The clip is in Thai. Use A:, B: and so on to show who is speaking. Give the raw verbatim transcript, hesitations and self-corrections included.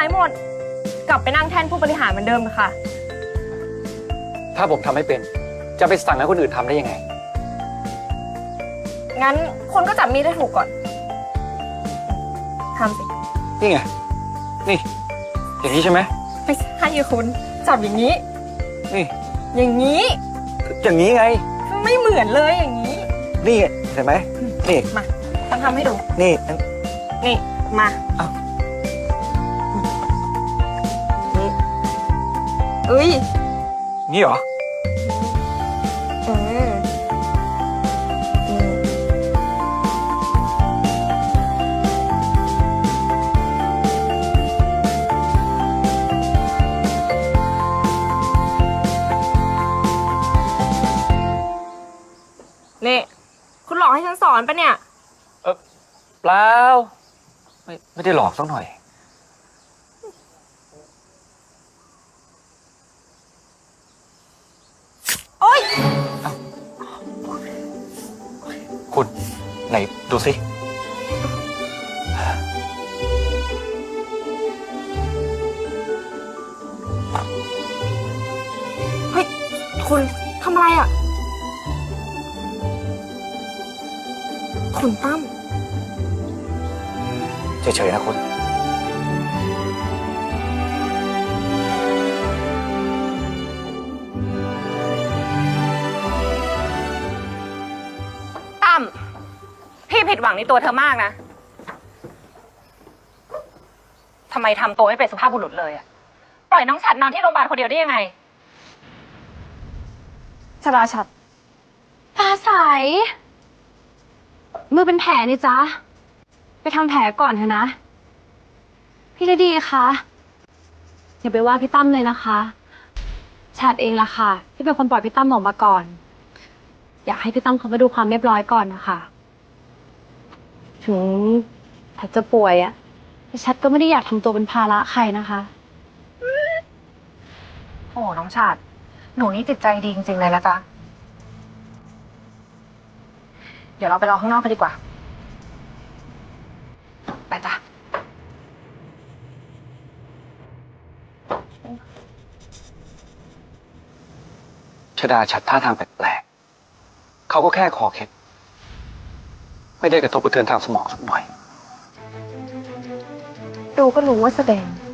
A: ายหมด กลับไปนั่งแท่นผู้บริหารเหมือนเดิมค่ะ
B: ถ้าผมทำไม่เป็น จะไปสั่งให้คนอื่นทำได้ยังไง
A: งั้นคนก็จับมีดให้ถูกก่อนทำสิ
B: นี่ไง นี่ อย่างนี้ใช่ไหม
A: ไม่ใช่คุณจับอย่างนี้
B: นี่
A: อย่างนี้
B: อย่างนี้ไง
A: ไม่เหมือนเลยอย่างนี้
B: นี่เห็นไหมนี่
A: มาต้องทำให้ดู
B: นี่
A: นี่ มา
B: อ้าว
A: นี่เอ้ย
B: นี่เหรอ
A: เออนี่นี่ คุณหลอกให้ฉันสอนปะเนี่ย
B: เออเปล่า ไม่ไม่ได้หลอกสักหน่อย
A: โอ๊ย
B: คุณไหนดูสิ
A: เฮ้ย คุณทำอะไรอ่ะ คุณตั้ม
B: เฉยๆนะคุณ
C: ตั้มพี่ผิดหวังในตัวเธอมากนะทำไมทำตัวไม่เป็นสุภาพบุรุษเลยอะปล่อยน้องฉัดนอนที่โรงพยาบาลคนเดียวได้ยังไง
A: ชราชัด
D: ฟ้าใสมือเป็นแผลนี่จ๊ะ ไปทำแผลก่อนเถอะนะ พี่ฤดีคะอย่าไปว่าพี่ตั้มเลยนะคะชาติเองล่ะค่ะ ที่เป็นคนปล่อยพี่ตั้มออกมาก่อน อยากให้พี่ตั้มเขามาดูความเรียบร้อยก่อนนะคะถึงถ้าจะป่วยอะแต่ชัดก็ไม่ได้อยากทำตัวเป็นภาระใครนะคะ
C: โอ้น้องฉัดหนูนี่จิตใจดีจริงๆเลยละจ๊ะเดี๋ยวเราไปรอข้างนอกกันดีกว่าไปจ้ะ
B: ชดาชัดท่าทางแปลกๆ เขาก็แค่คอเคล็ด ไม่ได้กระทบกระเทือนทางสมองสักหน่อย
D: ดูก็รู้ว่าแสดง